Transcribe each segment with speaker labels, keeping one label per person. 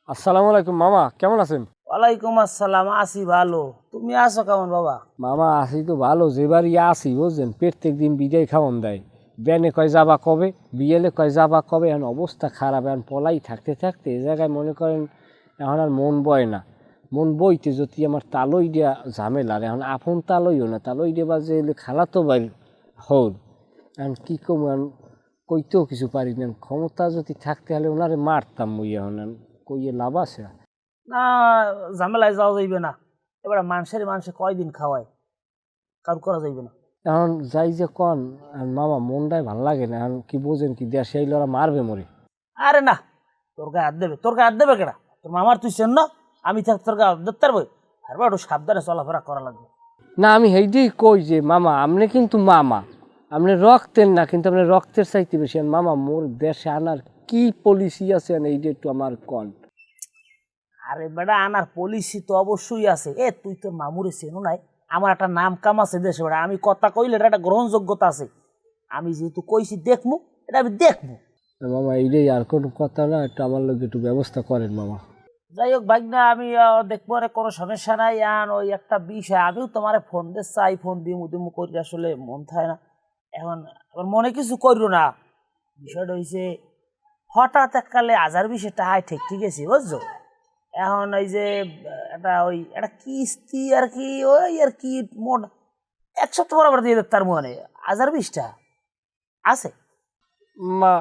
Speaker 1: আসসালামু আলাইকুম মামা, কেমন আছেন?
Speaker 2: ওয়ালাইকুম আসসালাম, আছি ভালো। তুমি আছো কেমন বাবা?
Speaker 1: মামা আছি তো ভালো, যেবার আছি বুঝছেন, প্রত্যেক দিন বিদায় খাওয়ান দেয়। ব্যানে কয় যাবা কবে, বিয়েলে কয় যাবা কবে, এখন অবস্থা খারাপ। এখন পলাই থাকতে থাকতে এ জায়গায় মনে করেন এখন আর মন বয় না। মন বইতে যদি আমার তালই দেওয়া ঝামেলার, এখন আপন তালইও না, তালই দেবা যে খালাতো বাইর হল। এখন কী কম, এখন কইতেও কিছু পারি না। ক্ষমতা যদি থাকতে হলে ওনারে মারতাম মুই, এখন কইয়ে লাভ আছে?
Speaker 2: না, ঝামেলায় যাওয়া যাইবে না। এবারে মানুষে কয়দিন খাওয়ায়, কারো করা যাইবে না।
Speaker 1: এখন যাই যে কন মামা, মনটাই ভাল লাগে না। এখন কি বোঝেন, কি দেশে এই লড়া মারবে মরে।
Speaker 2: আরে না, তোর গায়ে হাত দেবে? তোর গায়ে হাত দেবে কেডা? তোর মামার তুই চেন না? আমি থাক তোর গায়ে হাত ধরতে পারবো? আর একটু সাবধানে চলাফেরা করা লাগবে।
Speaker 1: না, আমি সেইটাই কই যে মামা, আপনি কিন্তু মামা, আপনি রক্তের না, কিন্তু আপনি রক্তের চাইতে বেশি। আর মামা, মোর দেশে আনার কি পলিসি আছে এইটা একটু আমার কন।
Speaker 2: আরে বেটা, আনার পলিসি তো অবশ্যই আছে। তুই তোর মামুরে চেনো নাই? আমার একটা নাম কাম আছে দেশে বেটা। আমি কথা কইলে এটা একটা গ্রহণযোগ্যতা আছে। আমি যেহেতু কইছি দেখমু, এটা আমি দেখমু।
Speaker 1: মামা এইটাই, আর কোনো কথা না, একটু আমার লোক একটু ব্যবস্থা করেন মামা।
Speaker 2: যাই হোক ভাগনা, আমি দেখবো, আরে কোনো সমস্যা নাই। আর ওই একটা বিষয়, আমিও তোমার ফোন দিয়ে চাই, ফোন দিমু দিমু করি, আসলে মন থাকে না। এখন আবার মনে কিছু করিও না। বিষয়টা হয়েছে, হঠাৎ এককালে 1020 টাকা ঠিক ঠিক আছে, বুঝছো? এখন ওই যে একটা কিস্তি আর কি, ওই আর কি মোট 1 সপ্তাহ বরাবর দিয়ে দেব। তার মনে 1020 টাকা আছে।
Speaker 1: মা,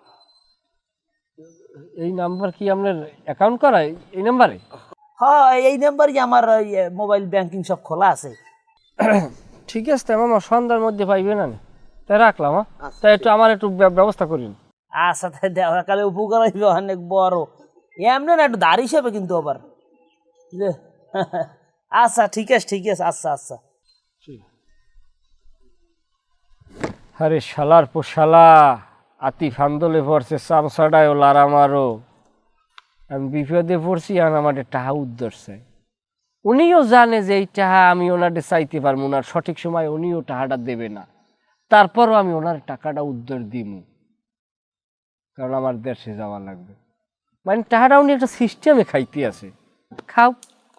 Speaker 1: এই নাম্বার কি আপনার অ্যাকাউন্ট করা এই নাম্বারে?
Speaker 2: হ্যাঁ, এই নাম্বারই আমার মোবাইল ব্যাংকিং সব খোলা আছে।
Speaker 1: ঠিক আছে মামা, সন্ধ্যার মধ্যে পাইবে না? তাই রাখলাম। তাই একটু আমার একটু ব্যবস্থা করিন।
Speaker 2: আচ্ছা, তাই দেখা কালে উপকার হইবে অনেক বড়। এমনি না, একটু দাঁড় হিসেবে কিন্তু আবার। আচ্ছা ঠিক আছে, ঠিক আছে। আচ্ছা আচ্ছা।
Speaker 1: আরে শালার পো শালা, আতি ফান্দলে পড়ছে, চামচাটায় লার আমারও। আমি বিপদে পড়ছি, আর আমার টাহা উদ্ধরছে। উনিও জানে যে এই টাহা আমি ওনারে চাইতে পারবো না, সঠিক সময় উনিও টাকাটা দেবে না। তারপরও আমি ওনার টাকাটা উদ্ধার দিব, কারণ আমার দেশে যাওয়া লাগবে। মানে টাকাটা উনি একটা সিস্টেমে খাইতে আছে। খাও,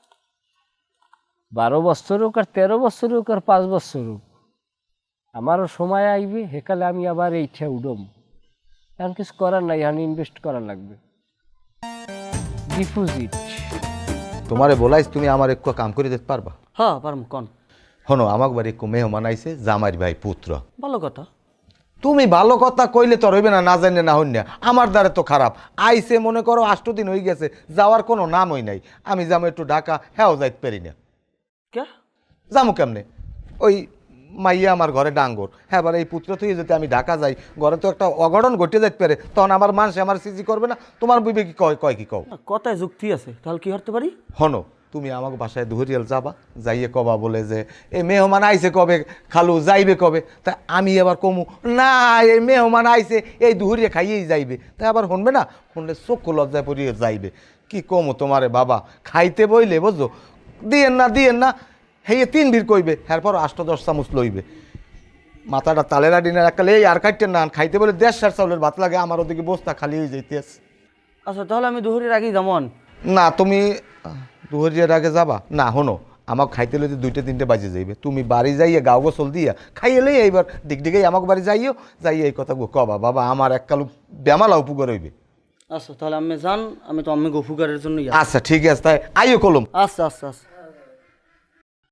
Speaker 1: 12 বছর হোক, আর 13 বছর হোক, আর 5 বছর হোক, আমারও সময় আইবে, হেকালে আমি আবার এইটা উডম। এখন কিছু করার নাই, এখন ইনভেস্ট করা লাগবে। ডিপোজিট।
Speaker 3: তোমারে বলাইস, তুমি আমার একটু কাম করে দিতে পারবা?
Speaker 2: হ্যাঁ পারম, কোন?
Speaker 3: হনো, আমার বাড়ি একটু মেহমান আইছে, জামাইর ভাই পুত্র।
Speaker 2: ভালো কথা।
Speaker 3: তুমি ভালো কথা কইলে তো হইবে না, না জানে না হইন না। আমার দ্বারা তো খারাপ আইছে, মনে করো 8 দিন হয়ে গেছে, যাওয়ার কোনো নামই নাই। আমি যাবো একটু ঢাকা, হ্যাঁ যাইতে পারি না।
Speaker 2: কে
Speaker 3: যাবো কেমনে? ওই মাইয়া আমার ঘরে ডাঙ্গর, হ্যাঁ এবার এই পুত্র থেকে যদি আমি ঢাকা যাই, ঘরে তো একটা অঘটন ঘটে যাইতে পারে, তখন আমার মানুষ আমার সিজি করবে না। তোমার বিবে কি কয় কি কও?
Speaker 2: কথায় যুক্তি আছে, তাহলে কি করতে পারি?
Speaker 3: হনো, তুমি আমাকে বাসায় ধরিয়াল যাবা, যাইয়ে কবা বলে যে এই মেহমান আইছে কবে, খালু যাইবে কবে? তা আমি এবার কমু না, এই মেহমান আইছে, এই ধরিয়ে খাইয়েই যাইবে। তাই আবার শুনবে না, শুনলে চক্ষু লজ্জায় পড়িয়ে যাইবে। কি কমু তোমারে বাবা, খাইতে বইলে বুঝছো, দিয়েন না হেয়ে 3 ভিড় কইবে, এরপর 8-10 চামচ লইবে। মাথাটা তালেরা ডিনার একালে এই আর কাটতেন না, খাইতে বলে 1.5 চাউলের ভাত লাগে, আমার ওদিকে বস্তা খালি হয়ে যাইতেছে।
Speaker 2: আচ্ছা, তাহলে আমি দুপুরের আগেই যেমন।
Speaker 3: না, তুমি দুহরিয়ার আগে যাবা না? হনো, আমাকে খাইতে লইতে 2-3 বাজে যাইবে। তুমি বাড়ি যাইয়া গাও গোসল দিয়া খাইয়েলেই এইবার ডিগডিগাই আমাকে বাড়ি যাইও, যাইয়ে এই কথা কবা বাবা আমার এককালু বেমালা উপকার হইবে।
Speaker 2: আচ্ছা, তাহলে আমি যান, আমি তো আমি গফুকারের জন্য।
Speaker 3: আচ্ছা ঠিক আছে, তাই আইও কলম।
Speaker 2: আচ্ছা আচ্ছা আচ্ছা।